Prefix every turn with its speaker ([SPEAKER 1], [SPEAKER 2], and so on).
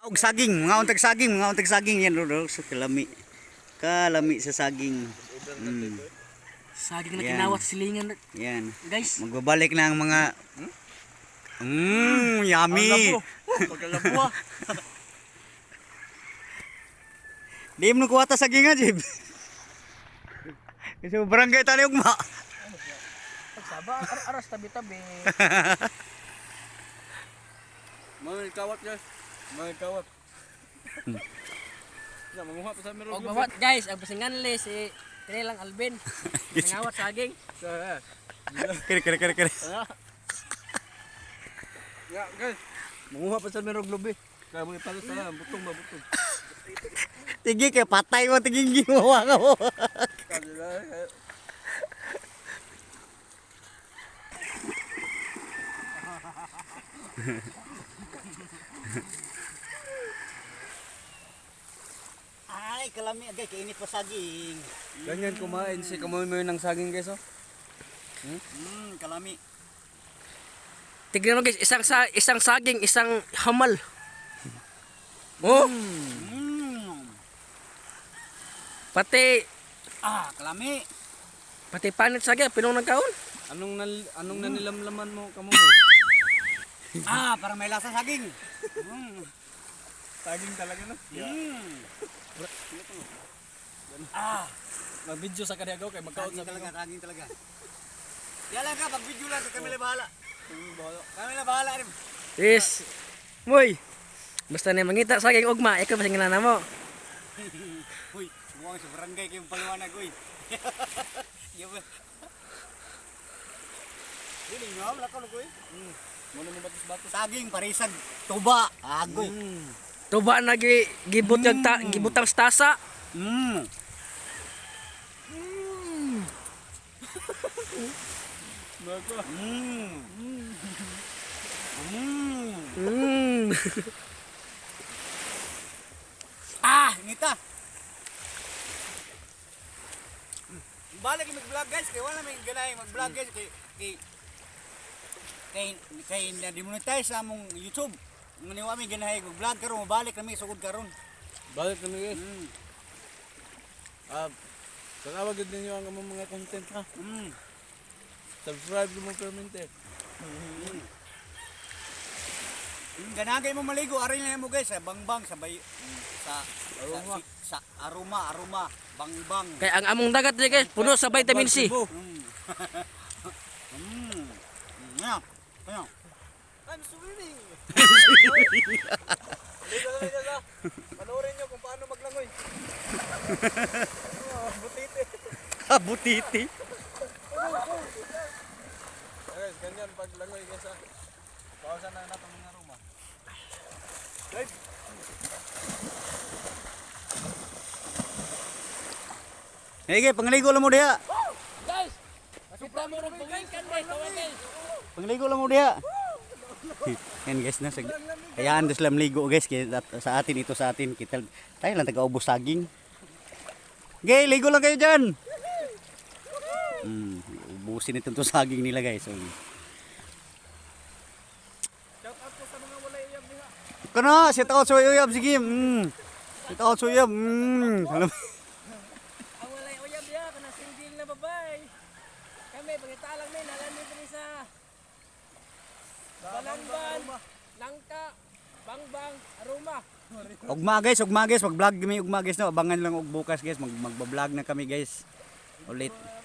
[SPEAKER 1] Og saging, mga untag saging yan ro so kalami. Kalami sa saging.
[SPEAKER 2] Saging na
[SPEAKER 1] Yan.
[SPEAKER 2] kinawat silingan.
[SPEAKER 1] Yan.
[SPEAKER 2] Guys,
[SPEAKER 1] Magbabalik na ang mga yummy.
[SPEAKER 2] pagkalabuha.
[SPEAKER 1] Di mo kuwata saging nga, Jib. Kasi barangay tali ugma.
[SPEAKER 2] Pagsaba, aras tabi-tabi.
[SPEAKER 3] Mga kawat guys. Mga kawat. Ya, manguha pa sa meron.
[SPEAKER 2] Og bawat guys, ang pasinganli si Tinelang Alvin. Nangawat saging.
[SPEAKER 1] Kere.
[SPEAKER 3] Ya, guys. Manguha pa sa meron globe. Kaya mo ipalo sa butong ba butong.
[SPEAKER 1] Tigi kay patay mo tiging gimawa ka mo. Ay, kalami agay kainit pa saging.
[SPEAKER 3] Ganyan kumain si kamoy mo ng saging guys oh.
[SPEAKER 1] Kalami.
[SPEAKER 2] Tignan mo guys, isang saging, isang hamal. Oh, pati
[SPEAKER 1] Kalami.
[SPEAKER 2] pati panit saging pinong nagkaon.
[SPEAKER 3] Anong nanilamlaman mo kamoy?
[SPEAKER 1] Parang may lasa saging.
[SPEAKER 3] Saging talaga no. Mag-video sa kaniagaw kay magkaon
[SPEAKER 1] Saging
[SPEAKER 3] sa
[SPEAKER 1] talaga, saging talaga. Yan lang ka, pag video lang, kami na bahala. Kami na bahala rin.
[SPEAKER 2] Yes. Moy. Basta na mangita saging ugma, ikaw pasinganan mo.
[SPEAKER 1] Uy, mukhang sa barangay kayong paliwanag, uy. Yawa. Dili nga, wala ka uy.
[SPEAKER 3] Muna mo batos-batos.
[SPEAKER 1] Saging, parisag, tuba, agoy.
[SPEAKER 2] Tuba na gibutang sa tasa.
[SPEAKER 3] Nako.
[SPEAKER 1] Ngita. Balik mag-vlog guys, kaya wala may ganay mag-vlog guys kay na-demonetize sa among YouTube. Nganiwa may ganahay mag-vlog karon, mabalik kami sugod karon.
[SPEAKER 3] Balik kami guys. Tanawa gid ninyo ang among mga content ha. Subscribe mo permente.
[SPEAKER 1] Ganagay mo maligo, aray na mo guys, sa bangbang, sa bay,
[SPEAKER 3] Aroma.
[SPEAKER 1] sa aroma, bangbang.
[SPEAKER 2] Kay ang among dagat di guys, puno sa vitamin C.
[SPEAKER 1] Ano?
[SPEAKER 3] I'm swimming. Panoorin nyo kung paano maglangoy. Butiti.
[SPEAKER 1] Butiti.
[SPEAKER 3] Guys, ganyan paglangoy guys ha. Pawasan na natin mga aroma. Guys.
[SPEAKER 1] Hege, pangligo lang mo diha.
[SPEAKER 2] Guys, kita mo ron pangingkan guys, guys.
[SPEAKER 1] Pangligo lang mo diha. Yan guys na hayaan dos lang ligo guys sa atin kita tayo lang taga-ubos saging. Okay, ligo lang kayo diyan. Ubusin itong saging nila guys.
[SPEAKER 3] Shout out po sa mga walay uyab diha.
[SPEAKER 1] Kana, shout out sa uyab sige. Shout out sa uyab.
[SPEAKER 2] Ang walay uyab ya kana single na babay. Kami pagitalang may nalan dito sa Balangban, Langka, Bangbang, Aroma.
[SPEAKER 1] Ugma guys, mag-vlog kami ugma guys no. Abangan lang og bukas guys, magba-vlog na kami guys. Ulit.